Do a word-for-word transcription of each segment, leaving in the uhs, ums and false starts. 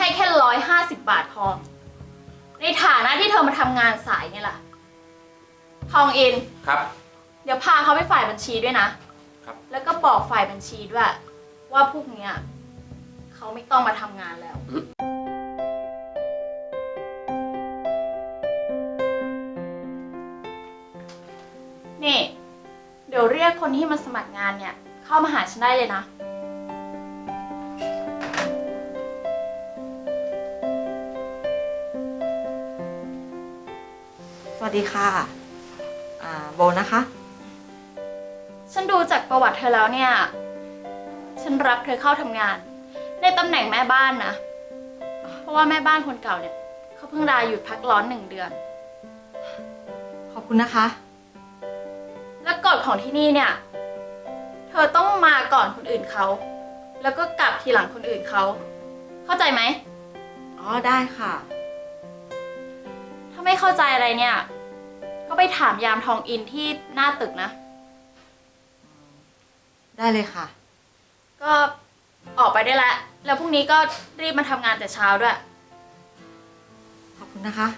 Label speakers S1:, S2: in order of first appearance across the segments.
S1: ให้แค่ร้อยห้าสิบบาทพอในฐานะที่เธอมาทำงานสายไงล่ะทองอิน
S2: ครับ
S1: เดี๋ยวพาเขาไปฝ่ายบัญชีด้วยนะครับแล้วก็บอกฝ่ายบัญชีด้วยว่าพวกเนี้ยเขาไม่ต้องมาทำงานแล้วนี่เดี๋ยวเรียกคนที่มาสมัครงานเนี่ยเข้ามาหาฉันได้เลยนะ
S3: สวัสดีค่ะอ่าโบนะคะ
S1: ฉันดูจากประวัติเธอแล้วเนี่ยฉันรับเธอเข้าทำงานในตำแหน่งแม่บ้านนะเพราะว่าแม่บ้านคนเก่าเนี่ยเขาเพิ่งลาหยุดพักร้อนหนึ่งเดือน
S3: ขอบคุณนะคะ
S1: และกฎของที่นี่เนี่ยเธอต้องมาก่อนคนอื่นเขาแล้วก็กลับทีหลังคนอื่นเขาเข้าใจไหม
S3: อ๋อได้ค่ะ
S1: ถ้าไม่เข้าใจอะไรเนี่ยก็ไปถามยามทองอินที่หน้าตึกนะ
S3: ได้เลยค่ะ
S1: ก็ออกไปได้แล้วแล้วพรุ่งนี้ก็รีบมาทำงานแต่เช้าด้วย
S3: ขอบคุณนะคะ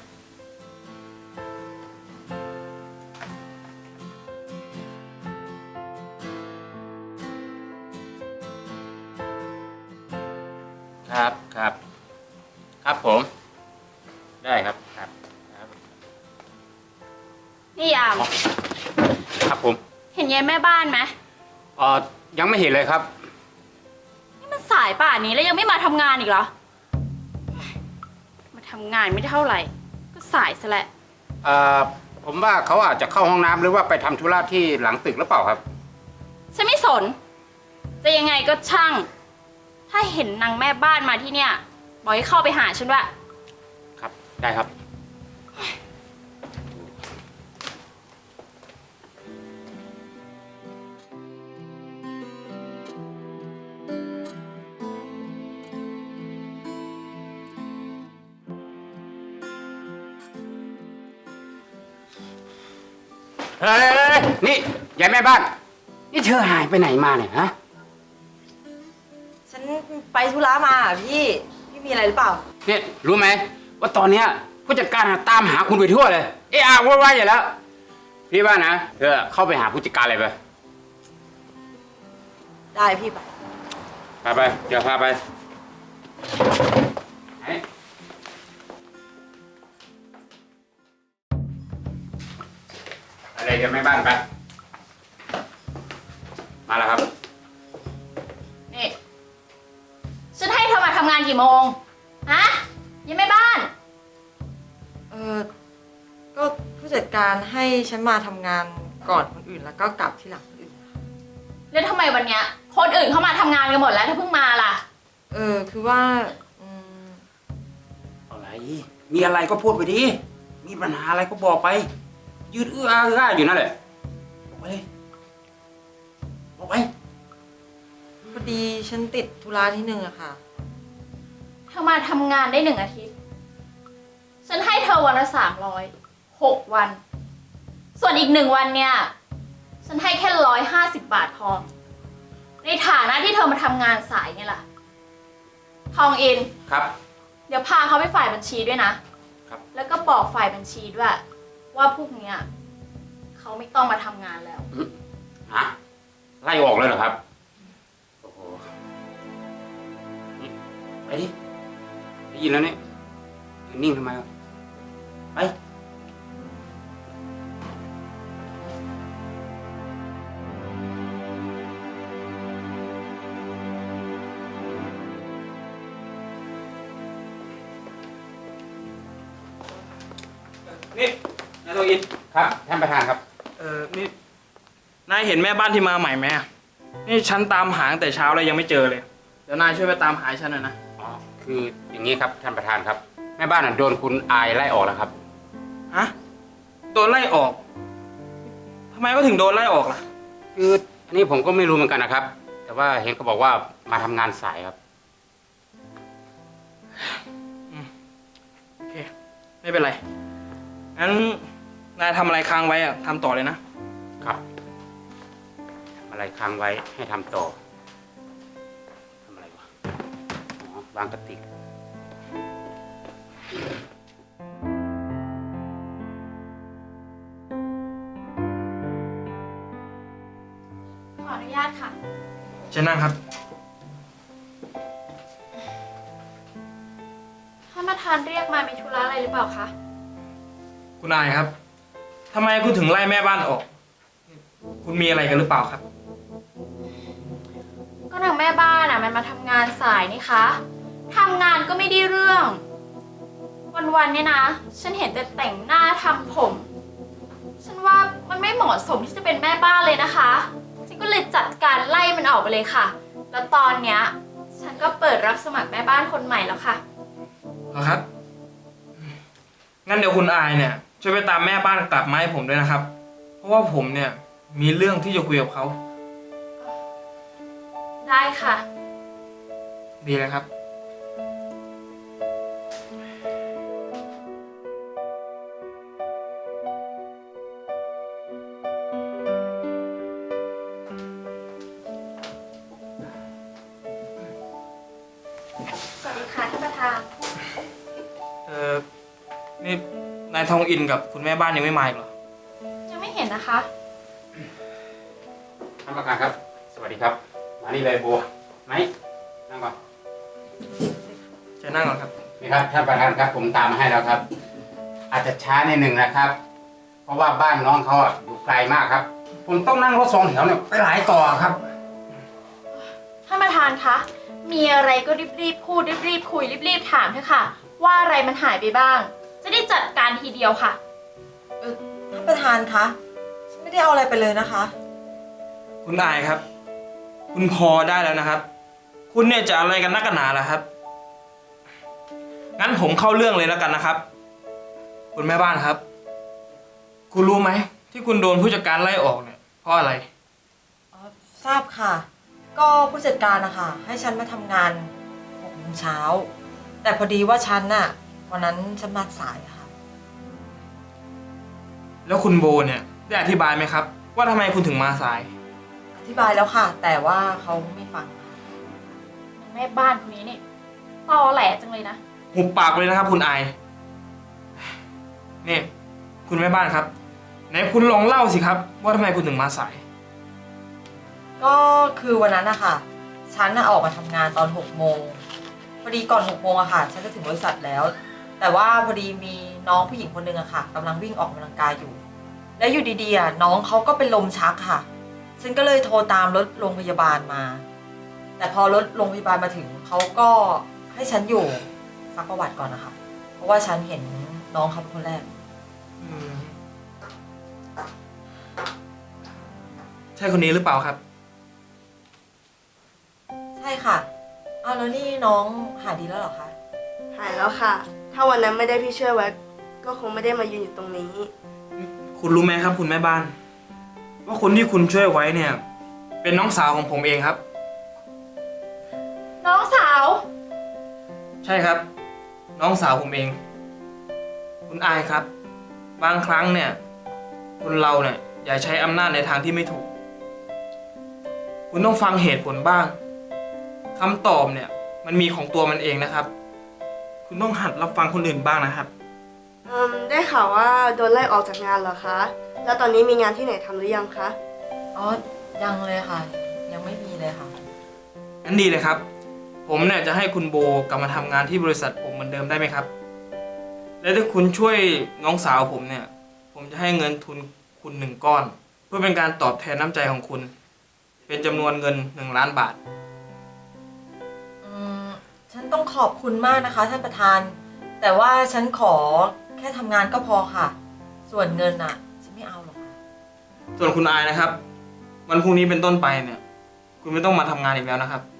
S2: ครับครับครับผมได้ครับครับครับ
S1: นี่ยาม
S2: ครับผม
S1: เห็นยายแม่บ้านไหม
S2: เอ่อยังไม่เห็นเลยครับ
S1: นี่มันสายป่านนี้แล้วยังไม่มาทำงานอีกเหรอมาทำงานไม่เท่าไหร่ก็สายซะแหละ
S2: เอ่อผมว่าเขาอาจจะเข้าห้องน้ำหรือว่าไปทำธุระที่หลังตึกหรือเปล่าครับ
S1: ฉันไม่สนจะยังไงก็ช่างถ้าเห็นนางแม่บ้านมาที่เนี่ยบอกให้เข้าไปหาฉันด้วย
S2: ครับได้ครับเฮ้ยนี่ยายแม่บ้านนี่เธอหายไปไหนมาเนี่ยฮะ
S3: ฉันไปธุระมาพี่พี่มีอะไรหรือเปล่า
S2: เนี่ยรู้ไหมว่าตอนเนี้ยผู้จัดการตามหาคุณไปทั่วเลยเอะอะวุ่นวายอยู่แล้วพี่ว่านะเธอเข้าไปหาผู้จัดการเลยไป
S3: ได้พี่ไป
S2: พาไปเดี๋ยวพาไปอะไรจะไม่บ้านไปมาแล้วครับ
S1: นี่ฉันให้เธอมาทำงานกี่โมงฮะยังไม่บ้าน
S3: เออก็ผู้จัดการให้ฉันมาทำงานก่อนคนอื่นแล้วก็กลับทีหลังคนอื่น
S1: แล้วทำไมวันเนี้ยคนอื่นเข้ามาทำงานกันหมดแล้วเธอเพิ่งมาล่ะ
S3: เออคือว่าอืม
S2: อะไรมีอะไรก็พูดไปดิมีปัญหาอะไรก็บอกไปยืดเอื้อเอื้ออยู่นั่นแหละบอกไปเลยบอกไป
S3: พอดีฉันติดธุระที่หนึ่งอะค่ะ
S1: เธอมาทำงานได้หนึ่งอาทิตย์ฉันให้เธอวันละสามร้อยหกวันส่วนอีกหนึ่งวันเนี่ยฉันให้แค่ร้อยห้าสิบบาทพอในฐานะที่เธอมาทำงานสายไงล่ะทองอิน
S2: ครับ
S1: เดี๋ยวพาเขาไปฝ่ายบัญชีด้วยนะครับแล้วก็บอกฝ่ายบัญชีด้วยว่าพวกเนี้ยเขาไม่ต้องมาทำงานแล้ว
S2: ฮะไล่ออกเลยเหรอครับโอ้โหไปดิได้ยินแล้วเนี่ยนิ่งทำไมไป
S4: นี่นายทองอิน
S2: ครับท่านประธานครับ
S4: เออนี่นายเห็นแม่บ้านที่มาใหม่ไหมนี่ฉันตามหาตั้งแต่เช้าแล้วยังไม่เจอเลยเดี๋ยวนายช่วยไปตามหาฉันหน่อยนะ
S2: อ๋อคืออย่างนี้ครับท่านประธานครับแม่บ้านโดนคุณอายไล่ออกแล้วครับ
S4: ฮะโดนไล่ออกทำไมก็ถึงโดนไล่ออกล่ะ
S2: คืออันนี้ผมก็ไม่รู้เหมือนกันนะครับแต่ว่าเห็นเขาบอกว่ามาทำงานสายครับ
S4: โอเคไม่เป็นไรงั้นนายทำอะไรค้างไว้อะทำต่อเลยนะครับ
S2: ทำอะไรค้างไว้ให้ทำต่อทำอะไรวะอ๋อวางกระติก
S4: เชิญนั่งครับ
S1: ท่านประธานเรียกมามีธุระอะไรหรือเปล่าคะ
S4: คุณอายครับทำไมคุณถึงไล่แม่บ้านออก คุณมีอะไรกันหรือเปล่าครับ
S1: ก็นางแม่บ้านอ่ะมันมาทำงานสายนี่คะทำงานก็ไม่ได้เรื่อง วันๆเนี่ยนะ ฉันเห็นแต่แต่งหน้าทำผม ฉันว่ามันไม่เหมาะสมที่จะเป็นแม่บ้านเลยนะคะ ฉันก็เลยจัดการไล่มันออกไปเลยค่ะ แล้วตอนเนี้ยฉันก็เปิดรับสมัครแม่บ้านคนใหม่แล้วค่ะ
S4: เหรอครับ งั้นเดี๋ยวคุณอายเนี่ยช่วยไปตามแม่บ้านกลับมาให้ผมด้วยนะครับ เพราะว่าผมเนี่ยมีเรื่องที่จะคุยกับเขา
S1: ได้ค่ะ
S4: ดีเลยครับ
S1: สวัสดีค่ะท่านประธาน
S4: เออนี่นายทองอินกับคุณแม่บ้านยังไม่มาอีกเหรอ
S1: ยังไม่เห็นนะคะ
S2: ท่านประธานครับ สวัสดีครับ มานี่เลยโบไหนนั่งก่อน
S4: เชิญนั่งก่อนครับ
S2: นี่ครับท่านประธานครับผมตามมาให้แล้วครับ อาจจะช้าในหนึ่งนะครับ เพราะว่าบ้านน้องเขาอะอยู่ไกลมากครับ ผมต้องนั่งรถสองแถวเนี่ยไปหลายต่อครับ
S1: ท่านประธานคะ มีอะไรก็รีบๆพูดรีบๆคุยรีบๆถามเถอะค่ะ ว่าอะไรมันหายไปบ้าง จะได้จัดการทีเดียวค่ะ
S3: เออท่านประธานคะฉันไม่ได้เอาอะไรไปเลยนะคะ
S4: คุณอายครับ คุณพอได้แล้วนะครับ คุณเนี่ยจะอะไรกันนักกันหนาล่ะครับ งั้นผมเข้าเรื่องเลยแล้วกันนะครับ คุณแม่บ้านครับ คุณรู้ไหมที่คุณโดนผู้จัดการไล่ออกเนี่ยเพราะอะไร
S3: อ๋อทราบค่ะ ก็ผู้จัดการนะคะให้ฉันมาทำงานหกโมงเช้า แต่พอดีว่าฉันน่ะวันนั้นฉันมาสายอะค่ะ
S4: แล้วคุณโบเนี่ยได้อธิบายไหมครับ ว่าทำไมคุณถึงมาสาย
S3: อธิบายแล้วค่ะ แต่ว่าเขาไม่ฟังค่ะ
S1: แม่บ้านคนนี้นี่ตอแหลจังเลยนะ
S4: หุบปากเลยนะครับ คุณอายนี่คุณแม่บ้านครับไหนคุณลองเล่าสิครับ ว่าทำไมคุณถึงมาสาย
S3: ก็คือวันนั้นนะคะฉันน่ะออกมาทำงานตอนหกโมงพอดีก่อนหกโมงอะค่ะ ฉันจะถึงบริษัทแล้ว แต่ว่าพอดีมีน้องผู้หญิงคนหนึ่งอะค่ะกำลังวิ่งออกกำลังกายอยู่ แล้วอยู่ดีๆอะน้องเขาก็เป็นลมชักค่ะ ฉันก็เลยโทรตามรถโรงพยาบาลมา แต่พอรถโรงพยาบาลมาถึงเขาก็ให้ฉันอยู่ซักประวัติก่อนนะคะ เพราะว่าฉันเห็นน้องเขาเป็นคนแรก
S4: อืมใช่คนนี้หรือเปล่าครับ
S3: ใช่ค่ะอ้าวแล้วนี่น้องหายดีแล้วเหรอคะ
S5: หายแล้วค่ะ ถ้าวันนั้นไม่ได้พี่ช่วยไว้ ก็คงไม่ได้มายืนอยู่ตรงนี้
S4: คุณรู้ไหมครับ คุณแม่บ้าน ว่าคนที่คุณช่วยไว้เนี่ย เป็นน้องสาวของผมเองครับ
S1: น้องสาว
S4: ใช่ครับ น้องสาวผมเอง คุณอายครับ บางครั้งเนี่ยคนเราเนี่ยอย่าใช้อำนาจในทางที่ไม่ถูก คุณต้องฟังเหตุผลบ้างคำตอบเนี่ย มันมีของตัวมันเองนะครับ คุณต้องหัดรับฟังคนอื่นบ้างนะครับ
S5: อืม ได้ข่าวว่าโดนไล่ออกจากงานเหรอคะ แล้วตอนนี้มีงานที่ไหนทำหรือยังคะ
S3: อ๋อยังเลยค่ะ ยังไม่มีเลยค่ะ
S4: งั้นดีเลยครับ ผมเนี่ยจะให้คุณโบกลับมาทำงานที่บริษัทผมเหมือนเดิมได้ไหมครับ และถ้าคุณช่วยน้องสาวผมเนี่ย ผมจะให้เงินทุนคุณหนึ่งก้อน เพื่อเป็นการตอบแทนน้ำใจของคุณ เป็นจำนวนเงินหนึ่งล้านบาท
S3: อืมฉันต้องขอบคุณมากนะคะ ท่านประธาน แต่ว่าฉันขอแค่ทำงานก็พอค่ะ ส่วนเงินน่ะ ฉันไม่เอาหรอกค่ะ
S4: ส่วนคุณอายนะครับ วันพรุ่งนี้เป็นต้นไปเนี่ย คุณไม่ต้องมาทำงานอีกแล้วนะครับ